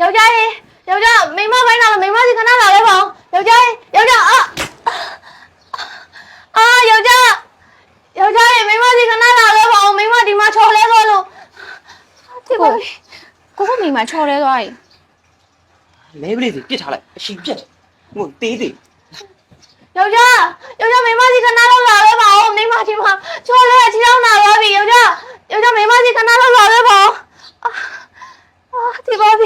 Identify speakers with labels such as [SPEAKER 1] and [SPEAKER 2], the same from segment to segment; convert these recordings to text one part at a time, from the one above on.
[SPEAKER 1] ယောက်ျားရေယောက်ျားမိမပိုင်းလာလို့မိမစီခဏလာလဲပေါ့ယောက်ျားရေယောက်ျားယောက်ျားရေမိမစီခဏလာလဲပေါ့မိမဒီမှာချော်လဲသွားလို့ဒီပါကိုမိမချော်လဲသွားပြီ
[SPEAKER 2] လဲပလေးစီပြစ်ထားလိုက်အရှိပြက်ဟိုတေးသေး
[SPEAKER 1] ယောက်ျားမိမစီခဏလောက်လာလဲပေါ့မိမဒီမှာချော်လဲအချီအောင်လာသွားပြီယောက်ျားမိမစီခဏလောက်လာလဲပေါ့ဒီပါပြီ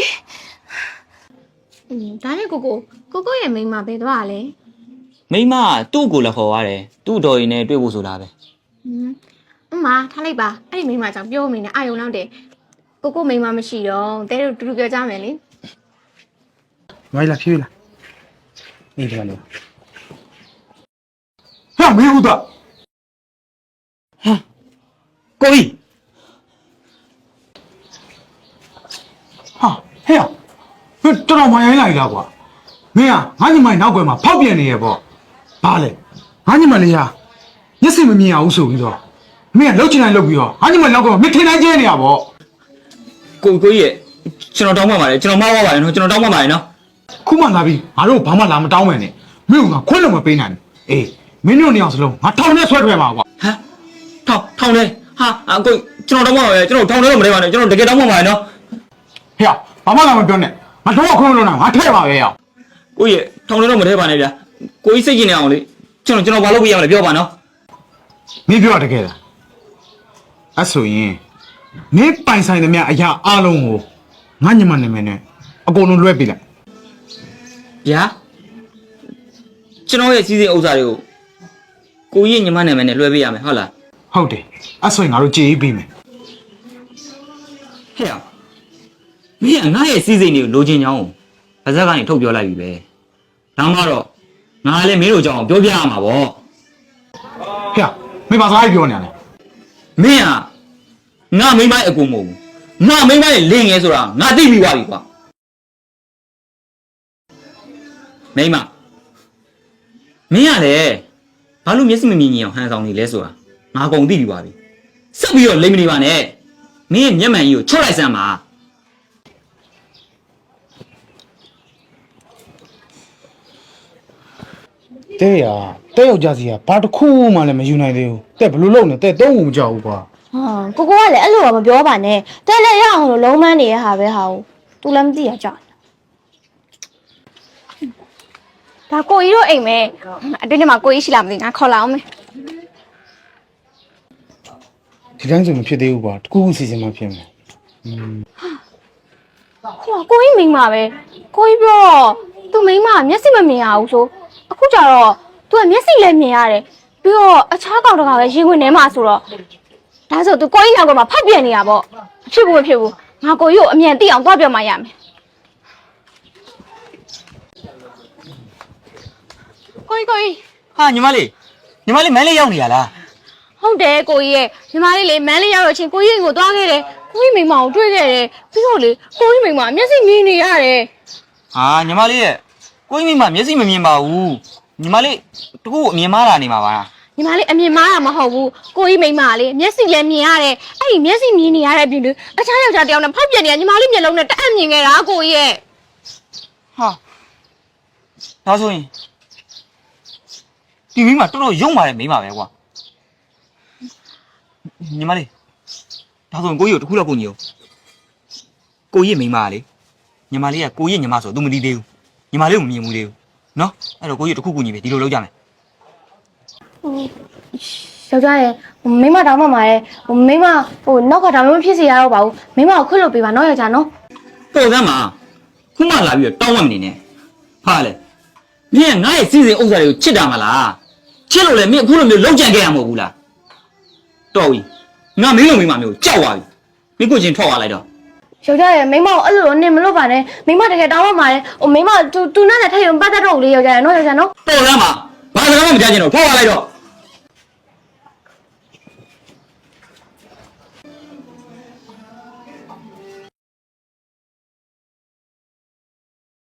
[SPEAKER 1] ဒါနဲ့ကိုရဲ့မိမပဲသွားလဲ
[SPEAKER 2] မိမသူ့ကိုလည်းခေါ်ရတယ်သူ့တော်ရင်နဲ့တွေ့ဖို့ဆိုတာပဲ
[SPEAKER 1] အမထားလိုက်ပါအဲ့ဒီမိမကြောင့်ပြောမနေနဲ့အာယုံလောက်တယ်ကိုမိမမရှိတော့တဲတို့တူတူပြောကြမယ်လေ
[SPEAKER 3] မိုင်းလာဖြေးလာနေတယ်လို့ဟာမင်းဟုတ်တာ
[SPEAKER 2] ဟာကိုကြီး
[SPEAKER 3] ဟာဟဲ့တော်မရိုင်းလိုက်လားကွာမင်းကငါညီမနောက်ကွယ်မှာဖောက်ပြန်နေရပေါ့ဘာလဲငါညီမလေးဟာမျက်စိမမြင်အောင်ဆိုပြီးတော့မင်းကလှုပ်ချင်တိုင်းလှုပ်ပြီးတော့ငါညီမနောက်ကွယ်မှာမင်းထင်တိုင်းကျဲနေရပေါ့
[SPEAKER 2] ကိုကြီးရဲ့ကျွန်တော်တောင်းပါပါတယ်ကျွန်တော်မှားပါပါတယ်နော်ကျွန်တော်တောင်းပါပါတယ်နော်
[SPEAKER 3] ခုမှလာပြီးငါတို့ဘာမှလာမတောင်းမယ်နဲ့မင်းကခွင့်လို့မပေးနိုင်ဘူးအေးမင်းတို့နေအောင်စလုံးငါထောင်နဲ့ဆွဲထွက်ပါကွာ
[SPEAKER 2] ဟမ်ထောင်လဲဟာကိုကျွန်တော်တောင်းပါပါတယ်ကျွန်တော်ထောင်ထဲတော့မလဲပါနဲ့ကျွန်တော်တကယ်တောင်းပါပါတယ်နော်
[SPEAKER 3] ဟဲ့ဘာမှလာမပြောနဲ့ငါတော့ခွင့်လို့နာငါထဲပါပဲရ
[SPEAKER 2] ကိုကြီးထောင်ထဲတော့မထဲပါနဲ့ဗျာကိုကြီးစိတ်ကျင်နေအောင်လေကျွန်တော်ဘာလုပ်ပြရမလဲပြောပါနော်
[SPEAKER 3] မင်းပြောတကယ်လားအဲ့ဆိုရင်မင်းပိုင်ဆိုင်သမျှအရာအလုံးကိုငါညမနာမည်နဲ့အကုန်လုံးလွှဲပေးလိုက်
[SPEAKER 2] ဗျာကျွန်တော်ရဲ့စီးစိမ်ဥစ္စာတွေကိုကြီးညီမနာမည်နဲ့လွှဲပေးရမယ်ဟုတ်လား
[SPEAKER 3] ဟုတ်တယ်အဲ့ဆိုရင်ငါတို့ကြေးပေးမယ်
[SPEAKER 2] ဟဲ့မင်းကငါရဲ့စီးစိမ်တွေကိုလိုချင်ကြောင်းဗဇက်ကနေထုတ်ပြောလိုက်ပြီပဲဒါမှတော့ငါလည်းမင်းတို့ကြောင်းပြောပြရမှာပေါ့
[SPEAKER 3] ဟဲ့မင်းဘာသာပြောနေရလဲ
[SPEAKER 2] မင်းကငါမိမရဲ့အကူမဟုတ်ဘူးငါမိမရဲ့လင်းငယ်ဆိုတာငါသိပြီးသွားပြီကွာမိမမင်းကလည်းဘာလို့မျက်စိမမြင်အောင်ဟန်ဆောင်နေလဲဆိုတာငါအကုန်သိပြီးသွားပြီဆက်ပြီးတော့လိမ့်မနေပါနဲ့မင်းရဲ့မျက်မှန်ကြီးကိုချွတ်လိုက်စမ်းပါ
[SPEAKER 3] တဲ့ယောက်ျားစီကဘာတစ်ခုမှလည်းမယူနိုင်သေးဘူးတဲ့ဘယ်လိုလုပ်နေတဲ့သုံးဖို့မကြောက်ဘူးကွာ
[SPEAKER 1] ဟာကိုကလည်းအဲ့လိုတော့မပြောပါနဲ့တဲ့လည်းရအောင်လို့လုံးမန်းနေရဟာပဲဟာကို तू လည်းမသိရကြောက်ဒါကိုကြီးတို့အိမ်မဲအတွင်းထဲမှာကိုကြီးရှိလားမသိငါခေါ်လာအောင်မယ်
[SPEAKER 3] ဒီတိုင်းဆိုမဖြစ်သေးဘူးကွာတကူစီစဉ်မှဖြစ်မယ်
[SPEAKER 1] ဟောကိုကြီးမိန်းမပဲကိုကြီးပြောသူမိန်းမမျက်စိမမြင်ရဘူးဆိုအခုကျတော့ तू ကမျက်စိလည်းမြင်ရတယ်ပြီးတော့အခြားကောင်တကပဲရင်ဝင်ထဲမှာဆိုတော့ဒါဆို तू ကိုကြီးနောက်ကမှဖောက်ပြန်နေရပေါ့မဖြစ်ဘူးငါကိုကြီးကိုအမြန်သိအောင်သွားပြောမှရမယ်ကိုကြီး
[SPEAKER 2] ဟာညီမလေးမန်းလေးရောက်နေရလား
[SPEAKER 1] ဟုတ်တယ်ကိုကြီးရဲ့ညီမလေးလေမန်းလေးရောက်တော့ချင်းကိုကြီးကိုသွားခဲ့တယ်ကိုကြီးမိမကိုတွေ့ခဲ့တယ်ပြီးတော့လေကိုကြီးမိမမျက်စိမြင်နေရတယ်
[SPEAKER 2] ဟာညီမလေးရဲ့ကိုကြီးမိမမျက်စိမမြင်ပါဘူးညီမလေးတကူအမြင်မားတာနေမှာပါ
[SPEAKER 1] ညီမလေးအမြင်မားတာမဟုတ်ဘူးကိုကြီးမိမလေမျက်စိလည်းမြင်ရတယ်အဲ့ဒီမျက်စိမြင်နေရတဲ့ပြင်လေအခြားယောက်ျားတယောက်နဲ့ဖောက်ပြန်နေတာညီမလေးမျက်လုံးနဲ့တအံ့မြင်ခဲ့တာကိုကြီးရဲ့
[SPEAKER 2] ဟာဒါဆိုရင်ဒီမိမတော်တော်ယုံပါတယ်မိမပဲကွာညီမလေးဒါဆိုရင်ကိုကြီးကိုတခုတော့ကိုကြီးကိုကြီးမိမလေညီမလေးကကိုကြီးညီမဆို तू မသိသေးဘူးညီမလေးကိုမမြင်ဘူးသေးဘူးနော်အဲ့တော့ကိုကြီးတခုကူညီပဲဒီလိုလုပ်ကြမယ်
[SPEAKER 1] ယောက်ျားရဲ့မိမတောင်းမှမှာရဲ့မိမနောက်ကဒါမှမဖြစ်စေရတော့ပါဘူးမိမကိုခွတ်လို့ပေးပါနော်ယောက်ျားနော်
[SPEAKER 2] ပေါ်စမ်းပါခုမှလာပြီးတော့တောင်းမှမနေနဲ့ဟာလေမင်းငါ့ရဲ့စီစဉ်ဥစ္စာတွေကိုချစ်တာမလားချစ်လို့လေမင်းအခုလိုမျိုးလုံးကြံခဲ့ရမှာမဟုတ်ဘူးလားတော်ပြီငါမင်းလိုမိမမျိုးကြောက်သွားပြီမင်းကိုချင်းထွက်သွားလိုက်တော့
[SPEAKER 1] ယောက်ျားရဲ့မိမကိုအဲ့လိုနေမလို့ပါနဲ့မိမတကယ်တောင်းမှမှာလေမိမတူနဲ့ထည့်ရုံပတ်သက်တော့လေယောက်ျားရဲ့နော်ယောက်ျားနော်
[SPEAKER 2] ပေါ်စမ်းပါဘာစကားမှမကြားချင်တော့ထွက်သွားလိုက်တော့